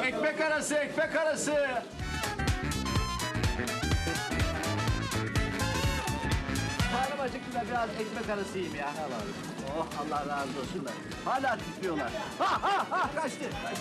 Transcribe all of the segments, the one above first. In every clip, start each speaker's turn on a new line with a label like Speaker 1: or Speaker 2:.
Speaker 1: Ekmek arası, ekmek arası. Karnım acıktı da biraz ekmek arası yiyeyim ya. Oh Allah razı olsunlar. Hala titriyorlar. Ha ha ha kaçtı.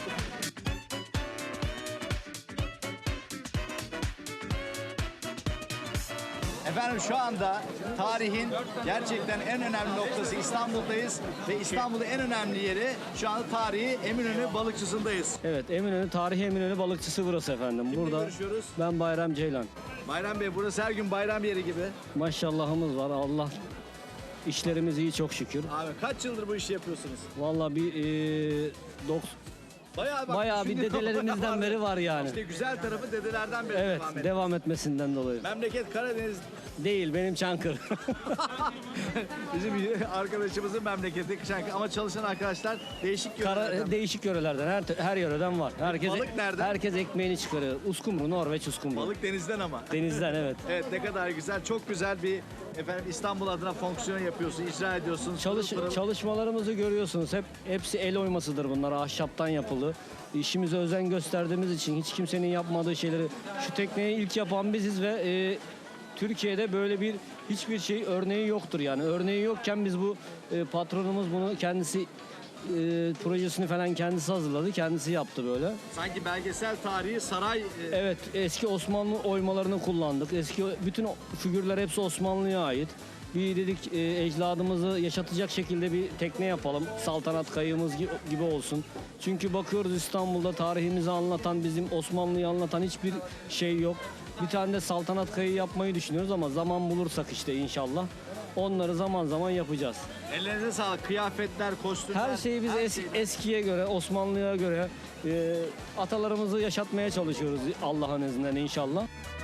Speaker 1: Efendim şu anda tarihin gerçekten en önemli noktası İstanbul'dayız ve İstanbul'un en önemli yeri şu anda tarihi Eminönü Balıkçısı'ndayız.
Speaker 2: Evet, Eminönü, tarihi Eminönü balıkçısı burası efendim.
Speaker 1: Kimle
Speaker 2: Burada
Speaker 1: görüşüyoruz?
Speaker 2: ben Bayram Ceylan.
Speaker 1: Bayram Bey burası her gün bayram yeri gibi.
Speaker 2: Maşallahımız var. Allah işlerimiz iyi çok şükür.
Speaker 1: Abi kaç yıldır bu işi yapıyorsunuz?
Speaker 2: Vallahi bir bayağı bir
Speaker 1: şimdi
Speaker 2: dedelerimizden beri var yani.
Speaker 1: İşte güzel tarafı dedelerden beri
Speaker 2: Evet,
Speaker 1: devam ediyor.
Speaker 2: devam etmesinden dolayı.
Speaker 1: Memleket Karadeniz
Speaker 2: Değil, benim Çankırı.
Speaker 1: bizim arkadaşımızın memleketi Kışankı ama çalışan arkadaşlar değişik yörelerden.
Speaker 2: Değişik yörelerden, her yöreden var.
Speaker 1: Balık nereden?
Speaker 2: Herkes ekmeğini çıkarıyor. Uskumru, Norveç uskumru.
Speaker 1: Balık denizden ama.
Speaker 2: Denizden evet.
Speaker 1: Evet ne kadar güzel. Çok güzel bir efendim İstanbul adına fonksiyon yapıyorsun, icra ediyorsun. Pırıl pırıl.
Speaker 2: Çalışmalarımızı görüyorsunuz. Hepsi el oymasıdır bunlar. Ahşaptan yapılı. İşimize özen gösterdiğimiz için hiç kimsenin yapmadığı şeyleri şu tekneyi ilk yapan biziz ve Türkiye'de böyle hiçbir şey örneği yoktur yani. Örneği yokken biz bu patronumuz bunu kendisi projesini falan kendisi hazırladı. Kendisi yaptı böyle.
Speaker 1: Sanki belgesel tarihi saray
Speaker 2: Evet, eski Osmanlı oymalarını kullandık. Eski bütün figürler hepsi Osmanlı'ya ait. Bir dedik ecdadımızı yaşatacak şekilde bir tekne yapalım. Saltanat kayığımız gibi olsun. Çünkü bakıyoruz İstanbul'da tarihimizi anlatan, bizim Osmanlı'yı anlatan hiçbir şey yok. Bir tane de saltanat kayığı yapmayı düşünüyoruz ama zaman bulursak işte inşallah. Onları zaman zaman yapacağız.
Speaker 1: ellerinize sağlık. Kıyafetler, kostümler.
Speaker 2: Her şeyi biz eskiye göre, Osmanlı'ya göre atalarımızı yaşatmaya çalışıyoruz Allah'ın izniyle inşallah.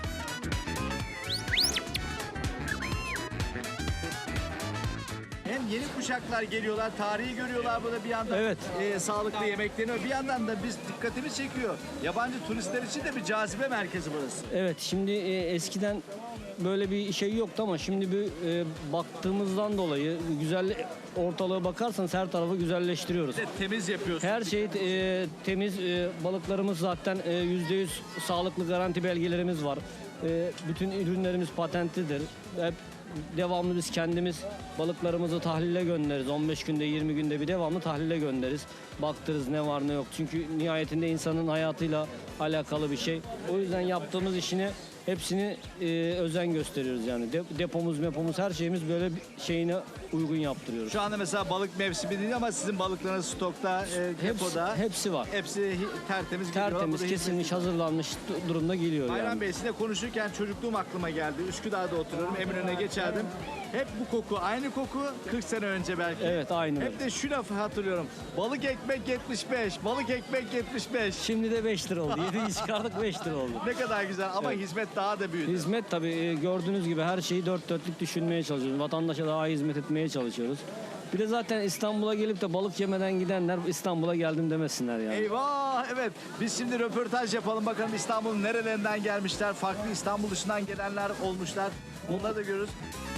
Speaker 1: Hem yeni kuşaklar geliyorlar, tarihi görüyorlar burada bir yandan.
Speaker 2: Evet.
Speaker 1: Sağlıklı yemeklerini bir yandan da biz dikkatimiz çekiyor. Yabancı turistler için de bir cazibe merkezi burası.
Speaker 2: Evet, şimdi eskiden böyle bir şey yoktu ama şimdi bir baktığımızdan dolayı güzel ortalığa bakarsanız her tarafı güzelleştiriyoruz.
Speaker 1: Bir de temiz yapıyorsun.
Speaker 2: Her şey temiz, balıklarımız zaten %100 sağlıklı garanti belgelerimiz var. Bütün ürünlerimiz patentlidir. Hep devamlı biz kendimiz balıklarımızı tahlile göndeririz. 15 günde 20 günde bir devamlı tahlile göndeririz. Baktırız ne var ne yok. Çünkü nihayetinde insanın hayatıyla alakalı bir şey. O yüzden yaptığımız işini hepsini özen gösteriyoruz yani. Depomuz her şeyimiz böyle bir şeyine uygun yaptırıyoruz.
Speaker 1: Şu anda mesela balık mevsimi değil ama sizin balıklarınız stokta, depoda.
Speaker 2: Hepsi var.
Speaker 1: Hepsi tertemiz geliyor.
Speaker 2: Tertemiz,
Speaker 1: Burada
Speaker 2: kesilmiş, hazırlanmış durumda geliyor
Speaker 1: Bayram
Speaker 2: yani.
Speaker 1: Bey sizinle konuşurken çocukluğum aklıma geldi. Üsküdar'da oturuyorum, Eminönü'ne geçerdim. Hep bu koku, aynı koku 40 sene önce belki.
Speaker 2: Evet, aynı
Speaker 1: Hep
Speaker 2: öyle.
Speaker 1: de şu lafı hatırlıyorum. Balık ekmek 75, balık ekmek 75.
Speaker 2: Şimdi de 5 lira oldu. 7'yi çıkardık 5 lira oldu.
Speaker 1: Ne kadar güzel ama
Speaker 2: Evet.
Speaker 1: hizmet daha da büyüdü.
Speaker 2: Hizmet tabii gördüğünüz gibi her şeyi dört dörtlük düşünmeye çalışıyoruz. Vatandaşa daha iyi hizmet etmeye çalışıyoruz. Bir de zaten İstanbul'a gelip de balık yemeden gidenler İstanbul'a geldim demesinler yani.
Speaker 1: Eyvah evet biz şimdi röportaj yapalım bakalım İstanbul'un nerelerinden gelmişler, farklı İstanbul dışından gelenler olmuşlar. Onları da görürüz.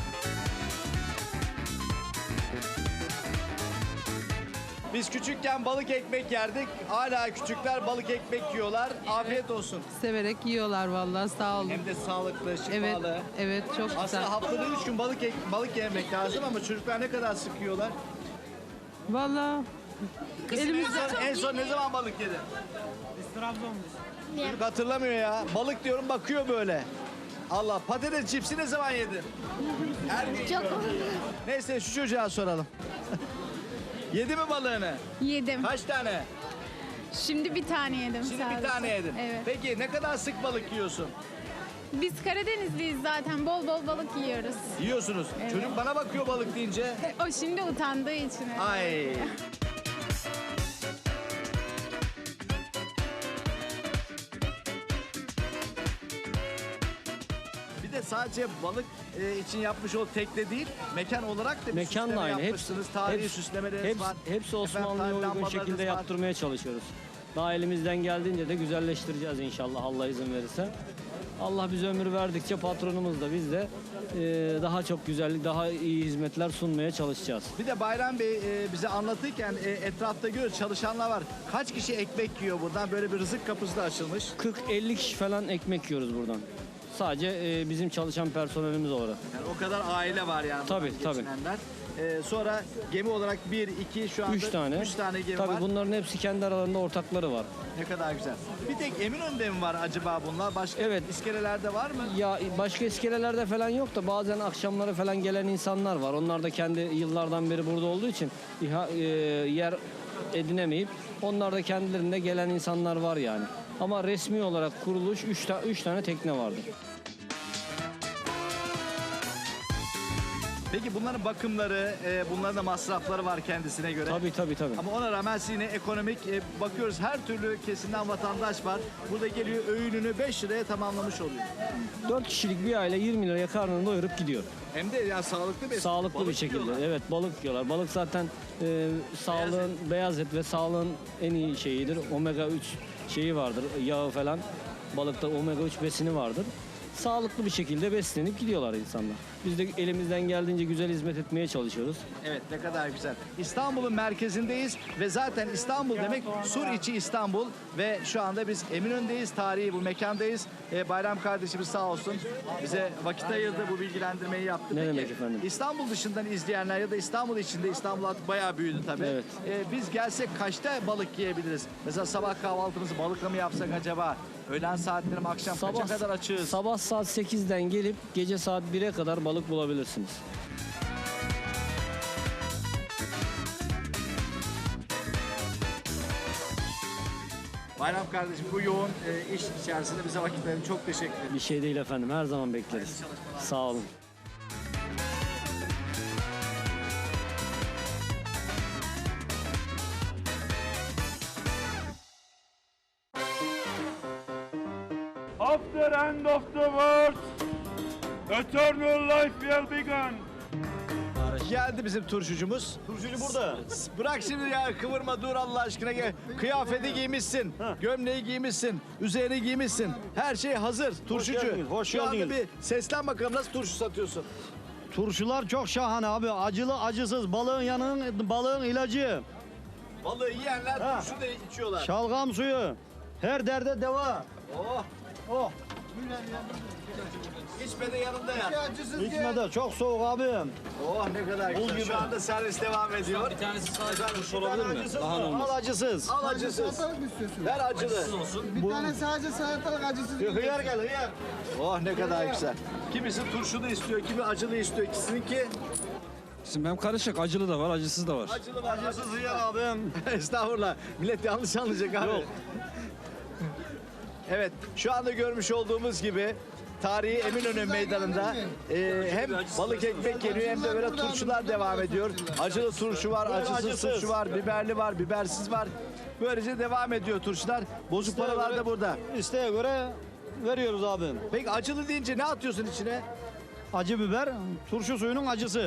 Speaker 1: Biz küçükken balık ekmek yerdik. Hala küçükler balık ekmek yiyorlar. Afiyet olsun.
Speaker 3: Severek yiyorlar vallahi sağ olun.
Speaker 1: Hem de sağlıklı,
Speaker 3: Evet,
Speaker 1: şifalı.
Speaker 3: evet çok güzel.
Speaker 1: Aslında haftada 3 gün balık yemek lazım ama çocuklar ne kadar sık yiyorlar?
Speaker 3: Vallahi
Speaker 1: Kızım en son ne zaman balık yedi? Biz Trabzon'dayız. Çocuk hatırlamıyor ya. Balık diyorum bakıyor böyle. Allah patates cipsi ne zaman yedin? Her gün yiyorum. Neyse şu çocuğa soralım. Yedi mi balığını?
Speaker 4: Yedim.
Speaker 1: Kaç tane?
Speaker 4: Şimdi bir tane yedim
Speaker 1: Şimdi
Speaker 4: sadece.
Speaker 1: bir tane yedin.
Speaker 4: Evet.
Speaker 1: Peki ne kadar sık balık yiyorsun?
Speaker 4: Biz Karadenizliyiz zaten. Bol bol balık yiyoruz.
Speaker 1: Yiyorsunuz.
Speaker 4: Evet.
Speaker 1: Çocuk bana bakıyor balık deyince.
Speaker 4: O şimdi utandığı için. öyle.
Speaker 1: Ay. Bir de sadece balık için yapmış ol tekne değil, mekan olarak da bir
Speaker 2: Mekan da
Speaker 1: süsleme
Speaker 2: aynı.
Speaker 1: yapmışsınız. Tarihi süslemeleriniz var.
Speaker 2: Hepsi Osmanlı'ya
Speaker 1: Efendim,
Speaker 2: uygun
Speaker 1: lambalarınız
Speaker 2: şekilde
Speaker 1: var.
Speaker 2: yaptırmaya çalışıyoruz. Daha elimizden geldiğince de güzelleştireceğiz inşallah Allah izin verirse. Allah bize ömür verdikçe patronumuz da biz de daha çok güzellik, daha iyi hizmetler sunmaya çalışacağız.
Speaker 1: Bir de Bayram Bey bize anlatırken etrafta görüyoruz çalışanlar var. Kaç kişi ekmek yiyor buradan? Böyle bir rızık kapısı da açılmış.
Speaker 2: 40-50 kişi falan ekmek yiyoruz buradan. Sadece bizim çalışan personelimiz olarak.
Speaker 1: Yani o kadar aile var yani.
Speaker 2: Tabii,
Speaker 1: buradan
Speaker 2: tabii.
Speaker 1: geçinenler. Sonra gemi olarak 1, 2 şu anda
Speaker 2: 3 tane.
Speaker 1: 3 tane gemi
Speaker 2: Tabii
Speaker 1: var.
Speaker 2: bunların hepsi kendi aralarında ortakları var.
Speaker 1: Ne kadar güzel. Bir tek Eminönü'nde mi var acaba bunlar? Başka
Speaker 2: Evet.
Speaker 1: iskelelerde var mı?
Speaker 2: Ya başka iskelelerde falan yok da bazen akşamları falan gelen insanlar var. Onlar da kendi yıllardan beri burada olduğu için yer edinemeyip onlar da kendilerinde gelen insanlar var yani. Ama resmi olarak kuruluş 3 tane tekne vardır.
Speaker 1: Peki bunların bakımları, bunların da masrafları var kendisine göre.
Speaker 2: Tabii.
Speaker 1: Ama ona rağmen siz yine ekonomik bakıyoruz her türlü kesimden vatandaş var. Burada geliyor öğününü 5 liraya tamamlamış oluyor.
Speaker 2: 4 kişilik bir aile 20 liraya karnını doyurup gidiyor.
Speaker 1: Hem de ya sağlıklı bir
Speaker 2: Sağlıklı
Speaker 1: balık
Speaker 2: bir şekilde.
Speaker 1: yiyorlar.
Speaker 2: Evet balık yiyorlar. Balık zaten sağlığın beyaz et ve sağlığın en iyi şeyidir. Omega 3 şeyi vardır. Yağı falan. Balıkta omega 3 besini vardır. Sağlıklı bir şekilde beslenip gidiyorlar insanlar. Biz de elimizden geldiğince güzel hizmet etmeye çalışıyoruz.
Speaker 1: Evet ne kadar güzel. İstanbul'un merkezindeyiz ve zaten İstanbul demek Suriçi İstanbul ve şu anda biz Eminönü'ndeyiz. Tarihi bu mekandayız. Bayram kardeşimiz sağ olsun bize vakit ayırdı, bu bilgilendirmeyi yaptı.
Speaker 2: Ne
Speaker 1: Peki,
Speaker 2: demek efendim?
Speaker 1: İstanbul dışından izleyenler ya da İstanbul içinde, İstanbul artık bayağı büyüdü tabii.
Speaker 2: Evet.
Speaker 1: Biz gelsek kaçta balık yiyebiliriz? Mesela sabah kahvaltımızı balıkla mı yapsak acaba? Öğlen saatleri mi, akşam kaça kadar açığız?
Speaker 2: Sabah saat 8'den gelip gece saat 1'e kadar balık bulabilirsiniz.
Speaker 1: Bayram kardeşim bu yoğun iş içerisinde bize vakit verdin. Çok teşekkür ederim.
Speaker 2: Bir şey değil efendim. Her zaman bekleriz. Sağ olun.
Speaker 5: After end of the world, eternal life will begin.
Speaker 1: Geldi bizim turşucumuz.
Speaker 6: Turşucu burada.
Speaker 1: Bırak şimdi ya kıvırma dur Allah aşkına gel. Kıyafeti giymişsin, gömleği giymişsin, üzerini giymişsin. Her şey hazır. Turşucu.
Speaker 6: geldiniz, hoş
Speaker 1: Şu anda
Speaker 6: geldiniz.
Speaker 1: bir seslen bakalım nasıl turşu satıyorsun?
Speaker 6: Turşular çok şahane abi. Acılı acısız. Balığın ilacı.
Speaker 1: Balığı yiyenler turşu da içiyorlar.
Speaker 6: Şalgam suyu. Her derde deva.
Speaker 1: Oh,
Speaker 6: Oh.
Speaker 1: içme de yanında ya.
Speaker 6: İçmede çok soğuk abi.
Speaker 1: Oh ne kadar güzel. Şu anda servis devam ediyor.
Speaker 2: Bir tanesi sadece
Speaker 1: turşu olabilir mi?
Speaker 6: Al acısız.
Speaker 1: Al acısız. Ver acılı.
Speaker 7: Bir tane sadece salatalık acısı.
Speaker 6: Hıyar gel hıyar.
Speaker 1: Oh ne kadar güzel. Kimisi turşulu istiyor, kimi acılı istiyor. İkisininki
Speaker 8: Şimdi hem karışık, acılı da var, acısız da var.
Speaker 1: acılı var.
Speaker 6: Acısız hıyar abim.
Speaker 1: Estağfurullah. Millet yanlış anlayacak abi.
Speaker 6: Yok.
Speaker 1: Evet, şu anda görmüş olduğumuz gibi tarihi Eminönü Meydanı'nda hem balık ekmek yeniyor hem de böyle turşular devam ediyor. Acılı turşu var, acısız turşu var, biberli var, bibersiz var. Böylece devam ediyor turşular. Bozuk paralar da burada.
Speaker 6: İsteğe göre veriyoruz abim.
Speaker 1: Peki acılı deyince ne atıyorsun içine?
Speaker 6: Acı biber, turşu suyunun acısı.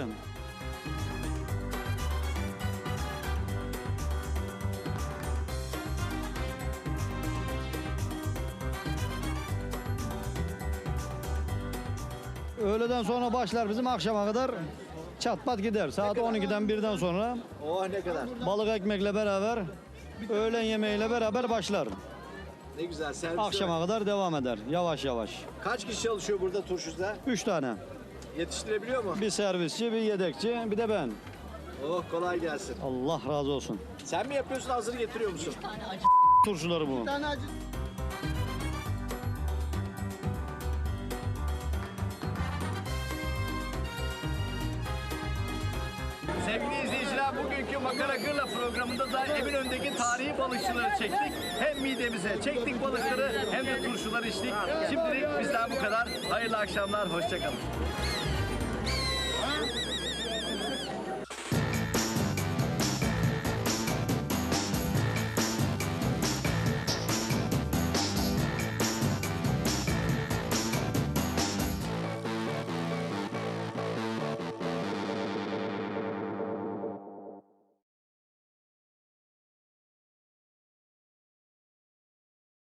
Speaker 6: Öğleden sonra başlar bizim akşama kadar çat pat gider. Saat 12'den 1'den sonra
Speaker 1: Oh ne kadar.
Speaker 6: balık ekmekle beraber öğlen yemeğiyle beraber başlar.
Speaker 1: Ne güzel servis.
Speaker 6: Akşama kadar devam eder yavaş yavaş.
Speaker 1: Kaç kişi çalışıyor burada turşuda?
Speaker 6: 3 tane.
Speaker 1: Yetiştirebiliyor mu?
Speaker 6: Bir servisçi, bir yedekçi, bir de ben.
Speaker 1: Oh kolay gelsin.
Speaker 6: Allah razı olsun.
Speaker 1: Sen mi yapıyorsun hazır getiriyor musun?
Speaker 6: Turşuları bu.
Speaker 7: Bir tane acı.
Speaker 1: Sevgili izleyiciler bugünkü Makara Gırla programında da Eminönü'ndeki tarihi balıkçıları çektik. Hem midemize çektik balıkları hem de turşuları içtik. Şimdilik bizden bu kadar. Hayırlı akşamlar, hoşçakalın.